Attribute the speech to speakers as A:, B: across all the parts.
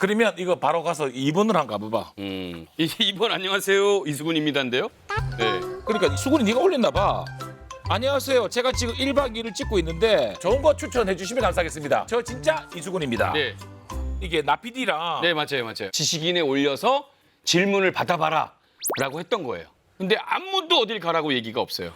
A: 그러면 이거 바로 가서 2번을 한번 가봐봐.
B: 2번 안녕하세요 이수근입니다인데요. 네.
A: 그러니까 수근이 네가 올렸나 봐. 안녕하세요. 제가 지금 1박 2일을 찍고 있는데 좋은 거 추천해 주시면 감사하겠습니다. 저 진짜 이수근입니다.
B: 네.
A: 이게 나PD랑
B: 네 맞아요. 지식인에 올려서 질문을 받아봐라라고 했던 거예요. 근데 아무도 어딜 가라고 얘기가 없어요.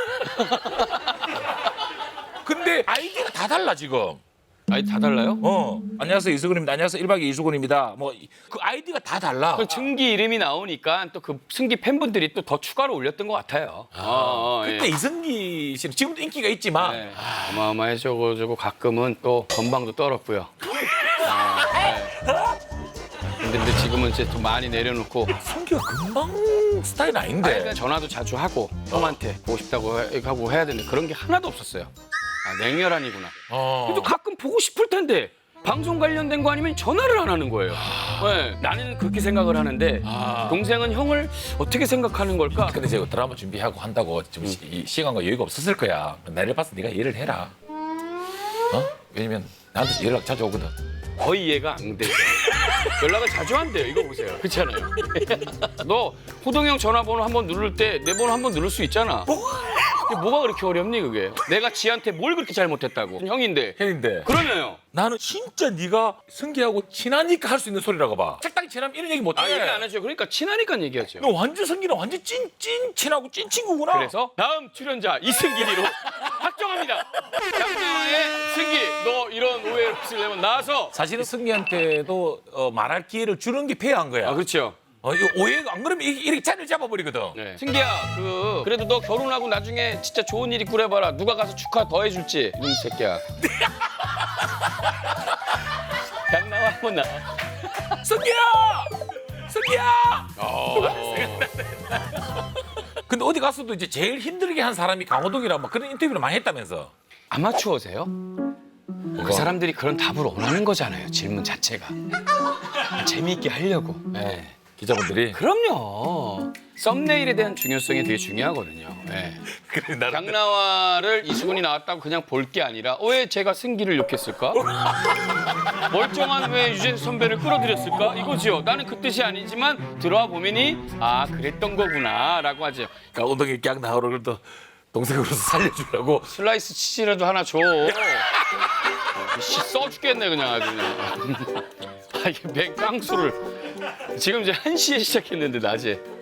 A: 근데 아이디가 다 달라 지금.
B: 아니 다 달라요?
A: 안녕하세요 이수근입니다. 안녕하세요 1박 2일 이수근입니다. 뭐 그 아이디가 다 달라.
B: 그 승기 이름이 나오니까 또 그 승기 팬분들이 또 더 추가로 올렸던 것 같아요.
A: 그때 이승기 씨는 지금도 인기가 있지만
B: 네. 어마어마해져가지고 가끔은 또 건방도 떨었고요. 근데 지금은 이제 좀 많이 내려놓고
A: 승기가 금방 스타일 아닌데.
B: 그러니까 전화도 자주 하고 형한테 보고 싶다고 하고 해야 되는데 그런 게 하나도 없었어요. 냉혈한이구나. 그래도 가끔 보고 싶을 텐데 방송 관련된 거 아니면 전화를 안 하는 거예요. 네, 나는 그렇게 생각을 하는데 동생은 형을 어떻게 생각하는 걸까?
A: 근데 제가 드라마 준비하고 한다고 좀 시간과 여유가 없었을 거야. 나를 봐서 네가 이해를 해라. 왜냐면 나한테 연락 자주 오거든.
B: 거의 이해가 안 되죠. 연락을 자주 한대요. 이거 보세요. 그렇잖아요. 너 호동형 전화번호 한번 누를 때 내 번호 한번 누를 수 있잖아. 그게 뭐가 그렇게 어렵니 그게? 내가 지한테 뭘 그렇게 잘못했다고? 형인데. 그러면요.
A: 나는 진짜 네가 승기하고 친하니까 할 수 있는 소리라고 봐. 적당히 친하면 이런 얘기 못 해.
B: 얘기 안 하죠. 그러니까 친하니까 얘기하죠.
A: 너 완전 승기는 완전 찐 친하고 찐 친구구나.
B: 그래서 다음 출연자 이승기로 확정합니다. 장나의 승기, 너 이런 오해 없으려면 나와서.
A: 사실은 승기한테도 말할 기회를 주는 게 페어한 거야.
B: 그렇죠.
A: 이거 오해가 안 그러면 이렇게 자리를 잡아버리거든.
B: 네. 승기야, 그래도 너 결혼하고 나중에 진짜 좋은 일 있고 그래봐라. 누가 가서 축하 더 해줄지. 이놈 새끼야. 장나와 한번 나와.
A: 승기야! 근데 어디 가서도 이제 제일 힘들게 한 사람이 강호동이라고 막 그런 인터뷰를 많이 했다면서.
B: 아마추어세요? 그 사람들이 그런 답을 원하는 거잖아요. 질문 자체가. 재미있게 하려고. 네.
A: 기자분들이.
B: 그럼요. 썸네일에 대한 중요성이 되게 중요하거든요. 네.
A: 그래, 나는
B: 장나와를 이수근이 나왔다고 그냥 볼 게 아니라 왜 제가 승기를 욕했을까? 멀쩡한 왜 유재석 선배를 끌어들였을까? 이거지요. 나는 그 뜻이 아니지만 들어와 보면이 그랬던 거구나라고 하죠.
A: 강호동이 깍 나오라 그래도 동생으로서 살려주려고.
B: 슬라이스 치즈라도 하나 줘. 써 죽겠네 그냥 아주 그냥. 이게 맹깡수를 지금 이제 1시에 시작했는데 낮에.